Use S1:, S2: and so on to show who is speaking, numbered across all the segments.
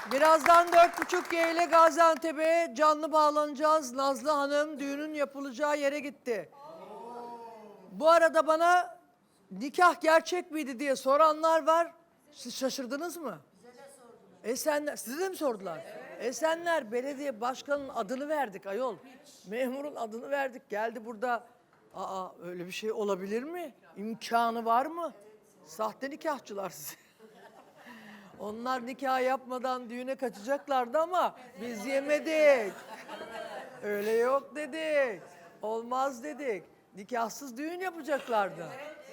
S1: Birazdan 4.30G ile Gaziantep'e canlı bağlanacağız. Nazlı Hanım düğünün yapılacağı yere gitti. Bu arada bana nikah gerçek miydi diye soranlar var. Siz şaşırdınız mı? Esenler, size de mi sordular? Evet. Esenler Belediye Başkanı'nın adını verdik ayol. Memurun adını verdik. Geldi burada. Aa öyle bir şey olabilir mi? İmkanı var mı? Sahte nikahçılar size. Onlar nikah yapmadan düğüne kaçacaklardı ama biz yemedik. Öyle yok dedik. Olmaz dedik. Nikahsız düğün yapacaklardı.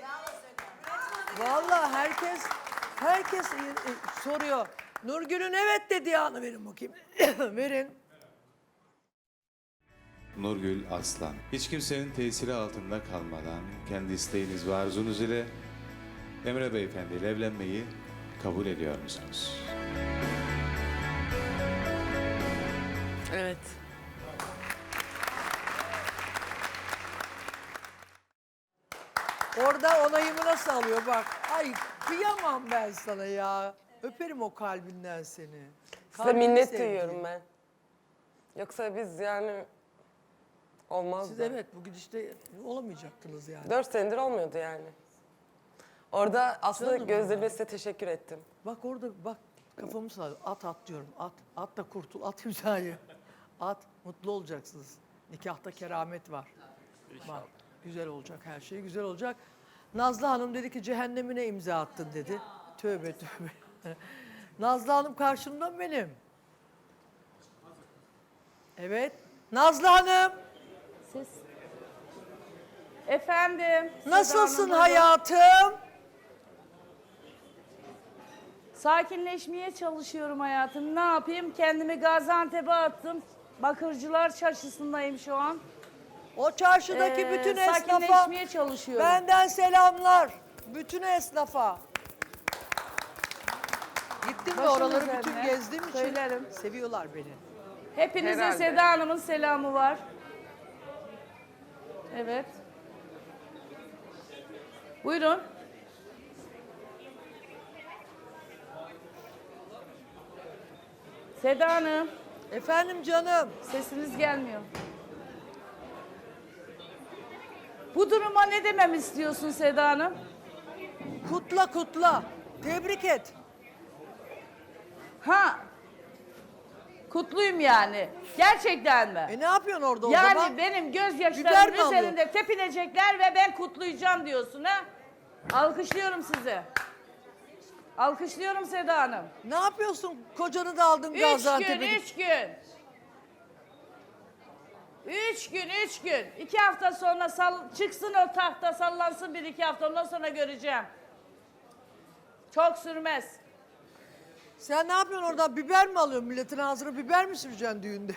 S1: Vallahi herkes soruyor. Nurgül'ün evet dediği anı verin bakayım. Verin.
S2: Nurgül Aslan. Hiç kimsenin tesiri altında kalmadan kendi isteğiniz ve arzunuz ile Emre Beyefendi ile evlenmeyi kabul ediyor musunuz?
S3: Evet.
S1: Orada onayımı nasıl alıyor bak. Ay kıyamam ben sana ya. Öperim o kalbinden seni.
S3: Size
S1: Kalbini
S3: minnet
S1: sevdiğim.
S3: duyuyorum ben. Yoksa biz yani olmazdı.
S1: Siz evet bu gidişte olamayacaktınız yani.
S3: 4 senedir olmuyordu yani. Orada aslında
S1: Canım
S3: gözlerime size teşekkür ettim.
S1: Bak orada bak kafamı sallıyor. At diyorum. At. At da kurtul. At imzayı. At. Mutlu olacaksınız. Nikahta keramet var. Bak güzel olacak her şey güzel olacak. Nazlı Hanım dedi ki cehennemine imza attın dedi. Tövbe tövbe. Nazlı Hanım karşımda benim. Evet. Nazlı Hanım
S4: Siz. Efendim.
S1: nasılsın
S4: Seda Hanım,
S1: hayatım?
S4: sakinleşmeye çalışıyorum hayatım. Ne yapayım? Kendimi Gaziantep'e attım. Bakırcılar Çarşısı'ndayım şu an.
S1: O çarşıdaki bütün esnafa
S4: Sakinleşmeye çalışıyorum.
S1: benden selamlar. Bütün esnafa. Gittim de
S4: Başım
S1: oraları
S4: üzerine.
S1: bütün gezdiğim için
S4: Söylerim.
S1: seviyorlar beni.
S4: Hepinize
S3: Herhalde.
S4: Seda Hanım'ın selamı var. Evet. Buyurun. Seda Hanım,
S1: Efendim canım.
S4: sesiniz gelmiyor. Bu duruma ne demem istiyorsun Seda Hanım?
S1: Kutla kutla. Tebrik et.
S4: Ha. Kutluyum yani. Gerçekten mi?
S1: Ne yapıyorsun orada o
S4: Yani
S1: zaman?
S4: benim
S1: Biber
S4: gözyaşlarımın
S1: mi alıyor?
S4: üzerinde tepinecekler ve ben kutlayacağım diyorsun ha? Alkışlıyorum sizi. Alkışlıyorum Seda Hanım.
S1: Ne yapıyorsun? Kocanı da aldın
S4: 3
S1: Gaziantep'e.
S4: gün, 3 gün. 3 gün. 2 hafta sonra çıksın o tahta sallansın 1-2 hafta ondan sonra göreceğim. Çok sürmez.
S1: Sen ne yapıyorsun orada? Biber mi alıyorsun? Milletin ağzına biber mi süreceksin düğünde?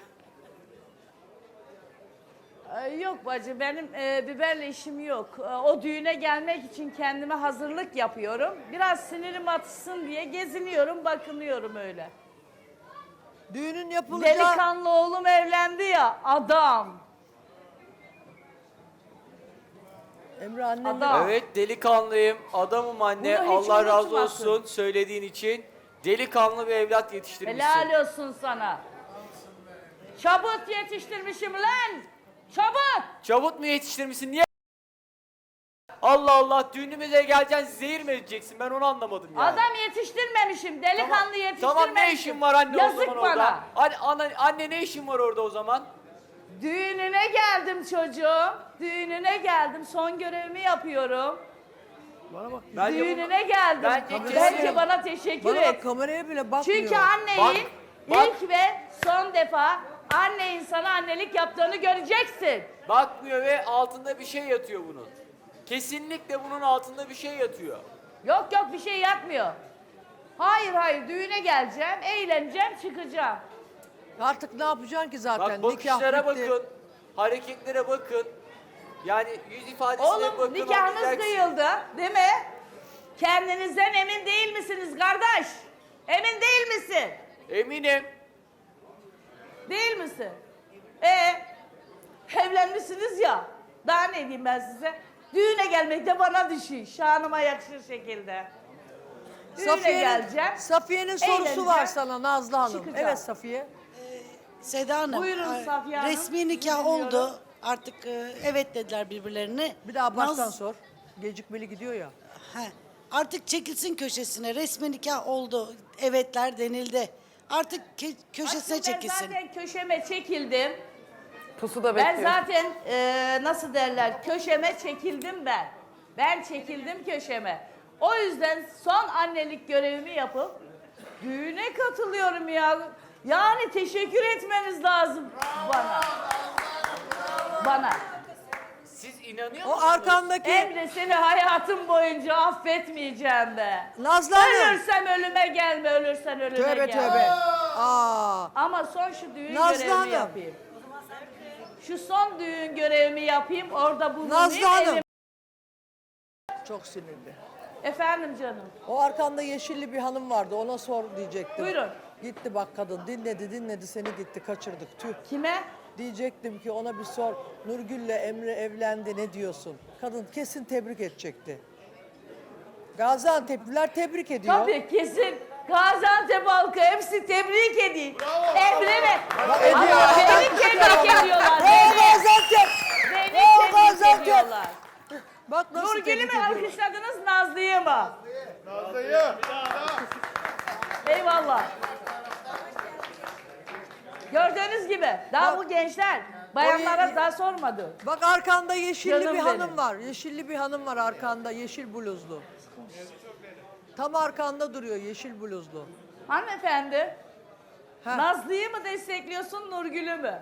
S4: Yok bacı benim biberle işim yok. O düğüne gelmek için kendime hazırlık yapıyorum. Biraz sinirim atışsın diye geziniyorum, bakınıyorum öyle.
S1: Düğünün yapılacağı...
S4: Delikanlı oğlum evlendi ya, adam.
S1: Emre annen
S4: Adam.
S5: Evet delikanlıyım, adamım anne.
S4: Bunu hiç
S5: Allah razı
S4: unutmasın.
S5: olsun söylediğin için. Delikanlı bir evlat yetiştirmişsin.
S4: Helal olsun sana. Çabuk yetiştirmişim lan. Çabuk.
S5: Çabuk mu yetiştirmişsin? Niye? Allah Allah, düğünümüze geleceksin, zehir mi edeceksin? Ben onu anlamadım yani.
S4: Adam yetiştirmemişim. Delikanlı yetiştirmemişim.
S5: Tamam, ne işin var anne
S4: Yazık
S5: o zaman
S4: bana.
S5: orada? Anne ne işin var orada o zaman?
S4: Düğününe geldim çocuğum. Düğününe geldim. Son görevimi yapıyorum.
S1: Bana bak.
S5: Bence
S4: Düğününe geldim.
S5: Bence
S4: Bence
S5: kesin.
S4: bana teşekkür
S1: Bana
S4: et.
S1: bak kameraya bile bakmıyor.
S4: Çünkü annenin
S5: Bak.
S4: ilk ve son defa anne insana annelik yaptığını göreceksin.
S5: Bakmıyor ve altında bir şey yatıyor bunun. Kesinlikle bunun altında bir şey yatıyor.
S4: Yok bir şey yapmıyor. Hayır düğüne geleceğim, eğleneceğim, çıkacağım.
S1: Artık ne yapacaksın ki zaten?
S5: Bak
S1: Nikah
S5: bakışlara
S1: bitti.
S5: bakın, hareketlere bakın. Yani yüz ifadesine bakın.
S4: Oğlum nikahınız
S5: anlayacaksın.
S4: kıyıldı değil mi? Kendinizden emin değil misiniz kardeş? Emin değil misin?
S5: Eminim.
S4: Değil misin? Evlenmişsiniz ya. Daha ne diyeyim ben size? Düğüne gelmek de bana düşüyor. Şanıma yakışır şekilde. Düğüne geleceğim.
S1: Safiye'nin sorusu
S4: eğleneceğim,
S1: var sana Nazlı Hanım.
S4: çıkacağım.
S1: Evet Safiye.
S6: Seda Hanım,
S4: Buyurun Safiye Hanım.
S6: resmi nikah
S4: Dinliyorum.
S6: oldu. Artık evet dediler birbirlerine.
S1: Bir daha baştan
S6: Naz-
S1: sor. Gecikmeli gidiyor ya.
S6: He, artık çekilsin köşesine. Resmi nikah oldu. Evetler denildi. Artık köşesine
S4: Aslında
S6: çekilsin.
S4: Ben zaten köşeme çekildim.
S3: Pusuda
S4: Ben
S3: bekliyor.
S4: zaten nasıl derler köşeme çekildim ben. Ben çekildim köşeme. O yüzden son annelik görevimi yapıp düğüne katılıyorum ya. Yani teşekkür etmeniz lazım bana. Bana.
S5: Siz inanıyor
S1: O
S5: musunuz?
S1: arkandaki
S4: Emre seni hayatım boyunca affetmeyeceğim be.
S1: Nazlı Hanım.
S4: Ölürsem ölüme gelme, ölürsen ölüme
S1: Tövbe
S4: gelme.
S1: tövbe. Aa.
S4: Ama son şu düğün
S1: Nazlı
S4: görevimi
S1: Hanım.
S4: yapayım. Şu son düğün görevimi yapayım, orada bulunayım.
S1: Nazlı Hanım.
S4: elim-
S1: Çok sinirli.
S4: Efendim canım.
S1: O arkanda yeşilli bir hanım vardı. Ona sor diyecektim.
S4: Buyurun.
S1: Gitti bak kadın. Dinledi seni gitti. Kaçırdık. Tüh.
S4: Kime?
S1: Diyecektim ki ona bir sor. Nurgül'le Emre evlendi ne diyorsun? Kadın kesin tebrik edecekti. Gaziantep'liler tebrik ediyor.
S4: Tabii kesin. Gaziantep halkı hepsi tebrik edin. Emre ve
S1: ediyor.
S4: ama beni tebrik ediyorlar.
S1: O
S4: Beni,
S1: Gaziantep.
S4: beni
S1: O
S4: tebrik
S1: Gaziantep.
S4: ediyorlar.
S1: Bak nasıl
S4: Nurgül'ü
S1: tebrik
S4: mü
S1: ediyor.
S4: alkışladınız, Nazlı'yı mı? Nazlı'yı. Eyvallah. Gördüğünüz gibi daha
S1: Bak,
S4: bu gençler bayanlara
S1: o-
S4: daha sormadı.
S1: Bak arkanda yeşilli
S4: Canım
S1: bir hanım
S4: benim.
S1: var. Yeşilli bir hanım var arkanda. Yeşil bluzlu. Tam arkanda duruyor yeşil bluzlu.
S4: Hanımefendi,
S1: Ha.
S4: Nazlı'yı mı destekliyorsun, Nurgül'ü mü?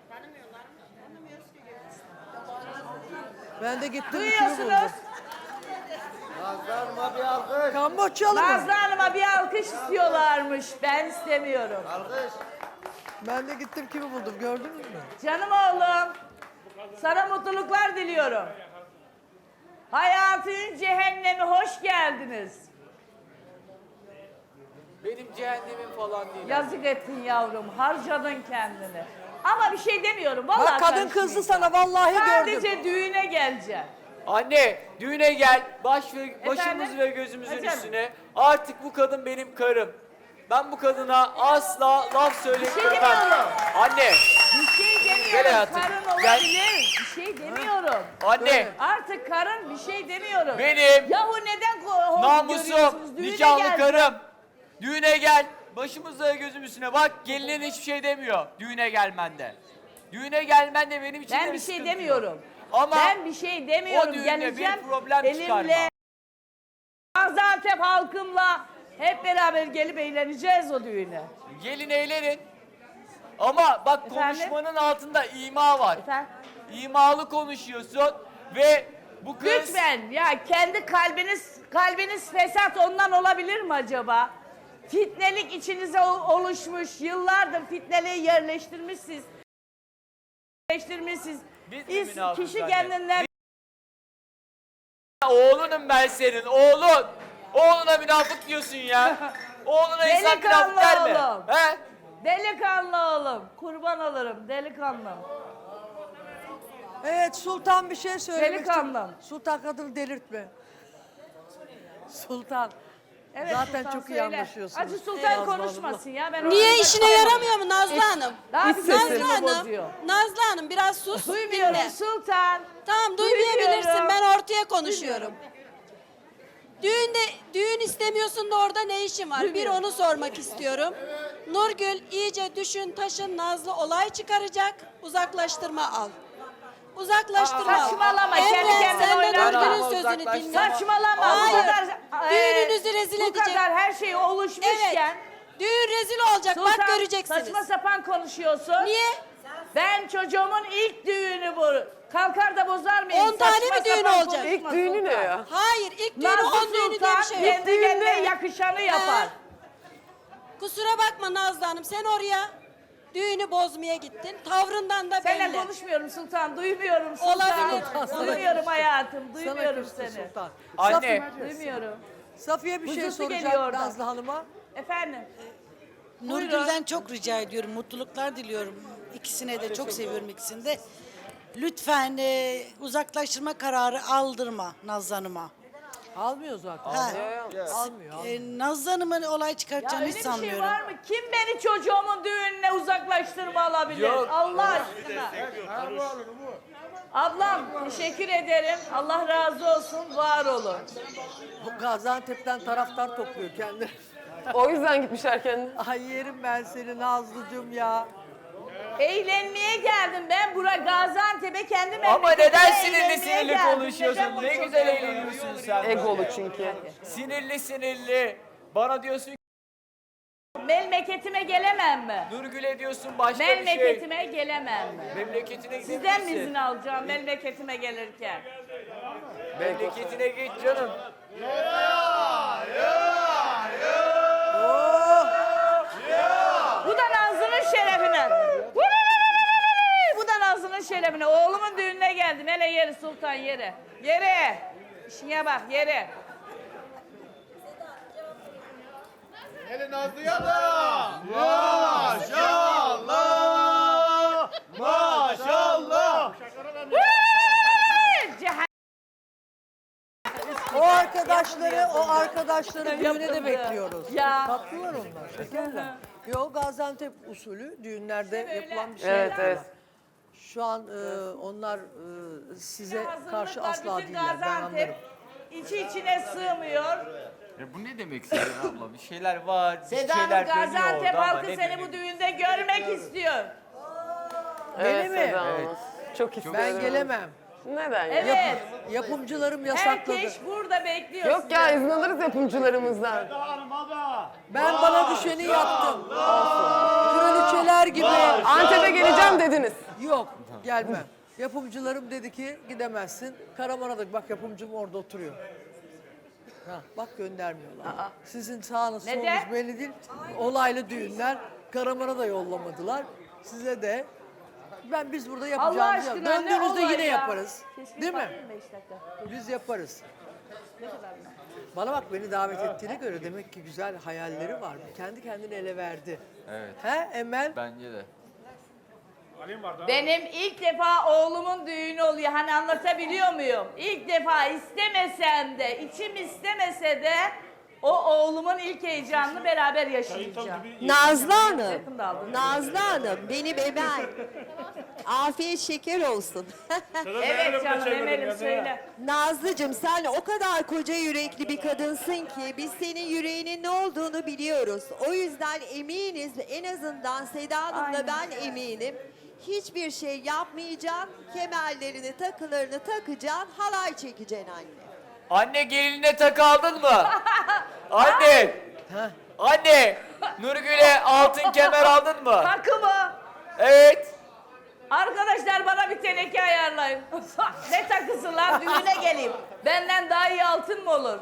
S1: Ben de gittim ikili
S4: Duyuyorsunuz.
S1: buldum. Kamboçyalı mı?
S4: Nazlı Hanım'a bir alkış istiyorlarmış. Ben istemiyorum.
S1: Ben de gittim kimi buldum gördünüz mü?
S4: Canım oğlum, sana mutluluklar diliyorum. Hayatın cehennemi hoş geldiniz.
S5: Benim cehennemim falan değil.
S4: Yazık ettin yavrum, harcadın kendini. Ama bir şey demiyorum, vallahi
S1: Bak kadın
S4: karışmayın.
S1: kızdı sana vallahi gördüm.
S4: Sadece düğüne geleceğim.
S5: Anne düğüne gel. Başımız ve gözümüzün
S4: Efendim?
S5: üstüne. Artık bu kadın benim karım. Ben bu kadına asla laf söyletmem.
S4: demiyorum.
S5: Anne,
S4: Bir şey
S5: Gel
S4: demiyorum,
S5: hayatım,
S4: karın
S5: gel.
S4: olabilir. Bir şey demiyorum.
S5: anne.
S4: Artık karın bir şey demiyorum.
S5: Benim
S4: Yahu neden görüyorsunuz?
S5: Namusum,
S4: Düğüne
S5: nikahlı
S4: geleceğim.
S5: karım. Düğüne gel. Başımızda gözüm üstüne. Bak gelinin hiçbir şey demiyor düğüne gelmende. Düğüne gelmen de benim için de
S4: Ben bir şey
S5: sıkıntı
S4: demiyorum.
S5: yok. Ama
S4: Ben bir şey demiyorum.
S5: o düğünde bir
S4: Geleceğim
S5: problem çıkarma.
S4: elimle Gaziantep halkımla hep beraber gelip eğleneceğiz o düğüne.
S5: gelin eğlenin. Ama bak
S4: Efendim?
S5: konuşmanın altında ima var.
S4: Efendim?
S5: İmalı konuşuyorsun ve bu kız...
S4: Lütfen ya kendi kalbiniz fesat ondan olabilir mi acaba? Fitnelik içinize oluşmuş. Yıllardır fitneliği yerleştirmişsiniz.
S5: Biz mi münafık
S4: Kişi
S5: anne?
S4: kendinden
S5: Oğlunum ben senin, oğlun. Oğluna münafık diyorsun ya. Oğluna insan
S4: Delikanlı
S5: münafık der mi?
S4: oğlum.
S5: He?
S4: delikanlı oğlum. Kurban olurum delikanlı.
S1: Evet Sultan bir şey söylemek
S4: Delikanlım.
S1: Sultan kadını delirtme. Sultan.
S4: Evet,
S1: Zaten
S4: Sultan
S1: çok iyi
S4: söyle.
S1: anlaşıyorsunuz.
S4: Acı Sultan
S1: Nazlı
S4: konuşmasın ya. Ben
S7: Niye
S4: orada
S7: işine
S4: kalamam.
S7: yaramıyor mu Nazlı Hanım?
S4: Daha bir
S7: Nazlı
S4: sesimi
S7: Hanım,
S4: bozuyor.
S7: Nazlı Hanım biraz sus.
S4: Duymuyorum
S7: dinle.
S4: Sultan.
S7: Tamam duymayabilirsin.
S4: Duymuyorum.
S7: Ben ortaya konuşuyorum. Düğün istemiyorsun da orada ne işin var? Bir
S4: Duymuyorum.
S7: onu sormak istiyorum. Nurgül iyice düşün taşın Nazlı olay çıkaracak. Uzaklaştırma al. Uzaklaştırma al.
S4: Saçmalama, kendi
S7: Emre,
S4: kendine
S7: sen de
S4: oynama.
S7: Nurgül'ün sözünü
S5: Uzaklaştırma.
S7: dinle.
S4: Saçmalama.
S7: Hayır.
S4: Bu kadar
S7: Düğününüzü rezil
S4: bu
S7: edecek.
S4: kadar her şey oluşmuşken.
S7: Evet. Düğün rezil olacak.
S4: Sultan,
S7: Bak göreceksiniz.
S4: saçma sapan konuşuyorsun.
S7: Niye?
S4: Ben çocuğumun ilk düğünü bu. Kalkar da bozar mıyım?
S7: 10 tane
S4: Saçma
S7: mi düğün
S4: sapan
S7: olacak?
S4: konuşma
S3: İlk düğünü ne
S4: Sultan.
S3: ya?
S7: Hayır ilk düğünü
S4: Nazlı
S7: 10 düğünü diye
S4: Sultan
S7: bir şey yok.
S4: kendi kendine yakışanı yapar.
S7: Kusura bakma Nazlı Hanım sen oraya düğünü bozmaya gittin. Tavrından da
S4: Seninle
S7: belli.
S4: konuşmuyorum Sultan, duymuyorum Sultan.
S7: Olabilir.
S4: Duymuyorum hayatım,
S1: Sana
S4: duymuyorum
S1: küstü
S4: seni.
S1: Sultan.
S5: Anne.
S4: Duymuyorum.
S1: Safiye bir şey
S4: Huzusu
S1: soracak
S4: geliyor oradan.
S1: Nazlı Hanım'a.
S4: Efendim,
S6: Nurgül'den çok rica ediyorum. Mutluluklar diliyorum. İkisine de çok seviyorum ikisini de. Lütfen uzaklaştırma kararı aldırma Nazlı Hanım'a.
S1: Almıyor zaten.
S6: Ha.
S1: Almıyor.
S6: Nazlı Hanım'ın olay
S4: Ya
S6: çıkartacağını
S4: öyle
S6: hiç
S4: bir şey
S6: sanmıyorum.
S4: var mı? Kim beni çocuğumun düğününe uzaklaştırma alabilir?
S5: Yok.
S4: Allah aşkına. Ablam teşekkür ederim. Allah razı olsun. Var olun.
S1: Bu Gaziantep'ten taraftar topluyor kendini.
S3: O yüzden gitmişler kendine.
S1: Ay yerim ben seni Nazlıcığım ya.
S4: Eğlenmeye geldim ben buraya Gaziantep'e kendim
S5: Ama
S4: memleketime
S5: neden sinirli
S4: eğlenmeye
S5: sinirli
S4: geldim. Neden
S5: konuşuyorsun?
S4: bunu
S5: Ne
S4: çok
S5: güzel
S4: seviyorum?
S5: eğleniyorsun sen.
S3: Egolu çünkü.
S5: Sinirli sinirli. Bana diyorsun ki
S4: Memleketime gelemem mi?
S5: Nurgül'e diyorsun başka bir şey.
S4: Memleketime gelemem mi?
S5: Memleketine gidebilirsin.
S4: Sizden mi izin alacağım memleketime gelirken?
S5: Memleketine git canım.
S4: Bu da Nazlı'nın şerefine. Bu da Nazlı'nın şerefine. Oğlumun düğününe geldim. Hele yeri sultan yere. Yere. İşine bak yere.
S8: Hele Nazlı'ya da. Maşallah. Maşallah.
S4: Cehennem.
S1: O arkadaşları düğüne de
S4: Yapıldı.
S1: bekliyoruz.
S4: Ya.
S1: Tatlılar onlar, şekerler. Yo Gaziantep usulü düğünlerde yapılan bir şey.
S3: Evet, evet.
S1: Şu an onlar size karşı
S4: Hazırlıklar,
S1: asla
S4: bütün
S1: değiller, ben anlarım.
S4: Gaziantep içi içine sığmıyor.
S5: Bu ne demek Seda abla? Bir şeyler var, bir
S4: Seda Hanım
S5: şeyler dönüyor
S4: Gaziantep
S5: orada ama
S4: halkı
S5: ne
S4: seni
S5: dönüyor?
S4: bu düğünde görmek istiyor.
S3: Evet
S1: mi?
S3: Seda Hanım. Çok isterim.
S1: Ben gelemem.
S3: Neden ya?
S4: Evet.
S1: Yapımcılarım yasakladı.
S4: Herkes burada bekliyor
S3: Yok
S4: sizi.
S3: ya izin alırız yapımcılarımızdan.
S1: Ben bana düşeni yaptım. Kraliçeler gibi.
S3: Antep'e geleceğim dediniz.
S1: Yok gelmem. Yapımcılarım dedi ki gidemezsin. Karaman'a bak yapımcım orada oturuyor. Ha, bak göndermiyorlar. Sizin sağınız solunuz
S4: Neden?
S1: belli değil. Olaylı düğünler. Karaman'a da yollamadılar. Size de. Biz burada
S4: Allah
S1: yapacağımızı
S4: aşkına ne
S1: döndüğünüzde
S4: olay
S1: yine
S4: ya?
S1: yaparız.
S4: Keşke
S1: Değil mi?
S4: bakayım 5 dakika.
S1: Biz yaparız. Bana bak beni davet ettiğine göre demek ki güzel hayalleri var. Kendi kendini ele verdi.
S5: Evet.
S1: He Emel?
S5: Bence de.
S4: Benim ilk defa oğlumun düğünü oluyor. Hani anlatabiliyor muyum? İlk defa istemesem de, içim istemese de o oğlumun ilk heyecanını beraber yaşayacağım.
S9: Nazlı Hanım,
S4: Yakında aldım.
S9: Nazlı Hanım benim Emel. Afiyet şeker olsun.
S4: Evet canım Emel'im söyle.
S9: Nazlıcığım sen o kadar koca yürekli bir kadınsın ki biz senin yüreğinin ne olduğunu biliyoruz. O yüzden eminiz en azından Seda Hanım'la ben eminim. Hiçbir şey yapmayacaksın, kemerlerini takılarını takacaksın, halay çekeceksin anne.
S5: Anne gelinine takı aldın mı? Anne! Anne! Nurgül'e altın kemer aldın mı?
S4: Takı mı?
S5: Evet.
S4: Arkadaşlar bana bir teneke ayarlayın. Ne takısı lan düğüne geleyim. Benden daha iyi altın mı olur?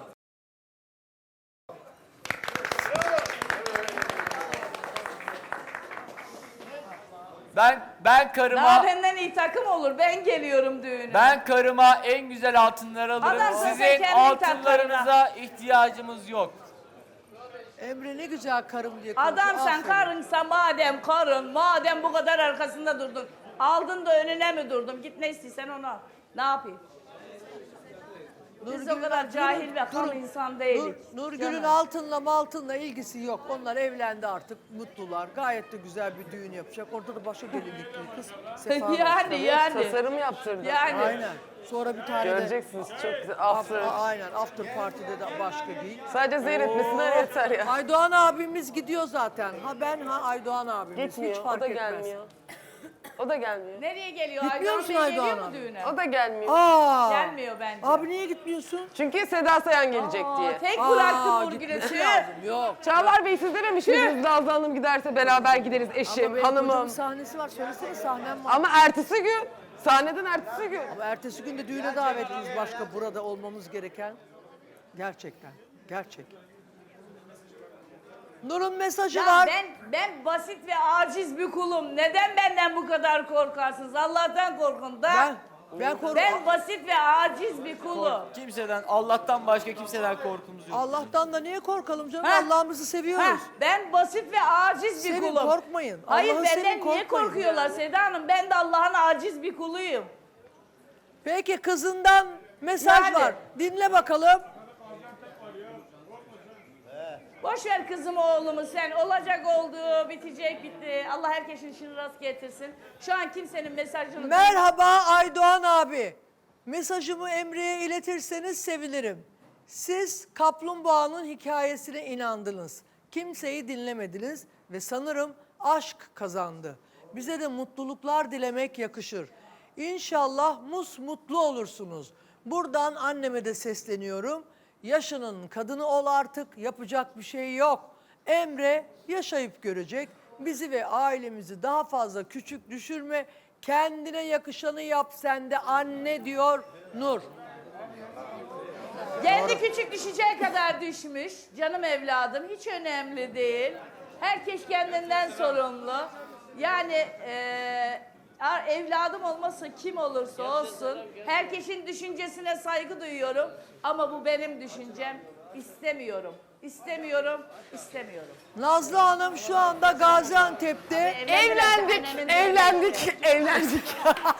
S5: Ben karıma
S4: Daha benden iyi takım olur. Ben geliyorum düğüne.
S5: ben karıma en güzel altınları alırım.
S4: Adam sen
S5: Sizin
S4: kendin
S5: altınlarınıza ihtiyacımız yok.
S1: Emre ne güzel karım diye
S4: Adam
S1: konuşuyor.
S4: sen
S1: Aferin.
S4: karınsa madem bu kadar arkasında durdun. Aldın da önüne mi durdum? Git ne istiyorsan onu al. Ne yapayım? Biz o kadar cahil ve kal insan değiliz.
S1: Nurgül'ün
S4: Canım.
S1: altınla maltınla ilgisi yok. Onlar evlendi artık, mutlular. Gayet de güzel bir düğün yapacak. Orada da başka gelinlikli kız. Sefa var.
S4: yani.
S3: Tasarım yaptırdım.
S4: Yani.
S1: Aynen. Sonra bir tane de
S3: Göreceksiniz çok güzel. After.
S1: aynen after party'de de başka giy.
S3: Sadece seyretmesinden yeter ya.
S1: Aydoğan abimiz gidiyor zaten. Aydoğan abimiz.
S3: Gitmiyor.
S1: Hiç fark
S3: O da
S1: etmez.
S3: gelmiyor. O da gelmiyor.
S4: Nereye geliyor?
S1: Gitmiyor
S4: Aydoğan
S1: musun
S4: Bey
S1: Aydoğan
S4: geliyor mu
S1: abi?
S4: düğüne?
S3: O da gelmiyor.
S1: Aa.
S4: Gelmiyor bence.
S1: Abi niye gitmiyorsun?
S3: Çünkü Seda Sayan gelecek diye.
S4: Tek
S1: Aa,
S4: bıraktım Nurgül'ü.
S1: gitmesi lazım. Yok.
S3: Çağlar Bey siz dememiş miydiniz Nazlı Hanım giderse beraber gideriz
S1: Ama
S3: eşim,
S1: benim kocamın
S3: hanımım.
S1: sahnesi var. Söylesene sahnem var.
S3: Ama ertesi gün, sahneden ertesi gün.
S1: Ama ertesi gün de düğüne davetliyiz başka burada olmamız gereken. Gerçekten. Gerçek. Nur'un mesajı
S4: Ya
S1: var.
S4: ben basit ve aciz bir kulum. Neden benden bu kadar korkarsınız? Allah'tan korkun da. Ben basit ve aciz bir kulum.
S5: Kimseden, Allah'tan başka kimseden korkumuz yok.
S1: Allah'tan da niye korkalım canım?
S4: Ha?
S1: Allah'ımızı seviyoruz.
S4: Heh, ben basit ve aciz bir
S1: Sevin,
S4: kulum.
S1: korkmayın.
S4: Hayır
S1: Allah'ı
S4: benden
S1: sevin,
S4: niye
S1: korkmayın.
S4: korkuyorlar Seda Hanım? Ben de Allah'ın aciz bir kuluyum.
S1: Peki kızından mesaj
S4: Yani.
S1: var. Dinle bakalım.
S4: Boş ver kızımı oğlumu sen. Olacak oldu, bitecek bitti. Allah herkesin işini rast getirsin. Şu an kimsenin mesajını...
S1: Merhaba Aydoğan abi. Mesajımı Emre'ye iletirseniz sevinirim. Siz kaplumbağanın hikayesine inandınız. Kimseyi dinlemediniz ve sanırım aşk kazandı. Bize de mutluluklar dilemek yakışır. İnşallah mutlu olursunuz. Buradan anneme de sesleniyorum. Yaşının kadını ol artık, yapacak bir şey yok. Emre yaşayıp görecek. Bizi ve ailemizi daha fazla küçük düşürme. Kendine yakışanı yap sen de anne diyor Nur.
S4: Kendi küçük düşeceği kadar düşmüş. Canım evladım hiç önemli değil. Herkes kendinden sorumlu. Yani evladım olmasa kim olursa olsun herkesin düşüncesine saygı duyuyorum. Ama bu benim düşüncem. İstemiyorum. İstemiyorum. İstemiyorum.
S1: Nazlı Hanım şu anda Gaziantep'te.
S3: Evlendik.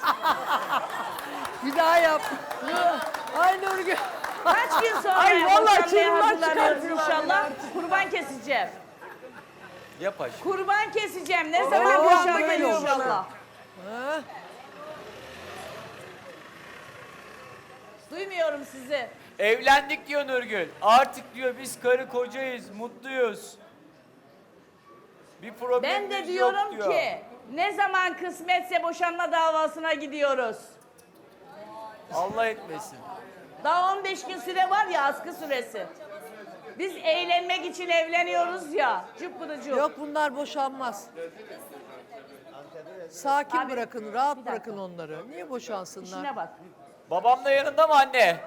S1: Bir daha yap. Ay Nurgül.
S4: Kaç gün sonra
S3: Ay, vallahi
S4: boşanmaya
S3: çığırlar
S4: hazırlanıyoruz
S3: çıkartıyorlar
S4: inşallah. Kurban keseceğim.
S5: Yap aşkım.
S4: Kurban keseceğim. Ne
S1: Oo,
S4: zaman
S1: anda
S4: boşanmayı
S1: geliyor bana.
S4: inşallah.
S1: Ha?
S4: Duymuyorum sizi.
S5: Evlendik diyor Nurgül. Artık diyor biz karı kocayız, mutluyuz. Bir
S4: Ben
S5: problemimiz
S4: de
S5: yok
S4: diyorum
S5: diyor.
S4: ki ne zaman kısmetse boşanma davasına gidiyoruz.
S5: Allah etmesin.
S4: Daha 15 gün süre var ya, askı süresi. Biz eğlenmek için evleniyoruz ya. Cıppıdıcık.
S1: Yok bunlar boşanmaz. Sakin
S4: Abi,
S1: bırakın, rahat
S4: bir dakika.
S1: bırakın onları. Niye boşansınlar?
S4: İşine bak.
S5: Babam da yanında mı anne?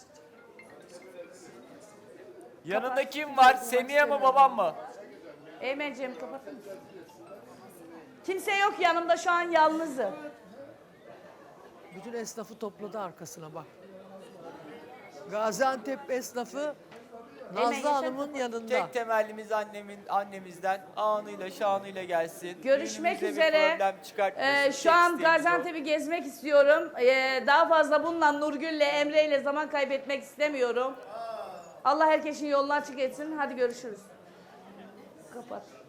S5: Yanında kim var? Semiye mi babam mı?
S4: Eymenciğim kapatır mısın? Kimse yok yanımda, şu an yalnızım.
S1: Bütün esnafı topladı arkasına bak. Gaziantep esnafı Nazlı
S4: yaşa.
S1: Hanım'ın yanında.
S5: Tek temellimiz annemizden anıyla şanıyla gelsin.
S4: Görüşmek
S5: Düğünümüze bir
S4: üzere.
S5: problem çıkartmasın.
S4: Şu an
S5: Tek isteğimiz o.
S4: Gaziantep'i gezmek istiyorum. Daha fazla bununla Nurgül'le, Emre'yle zaman kaybetmek istemiyorum. Allah herkesin yolunu açık etsin. Hadi görüşürüz. Kapat.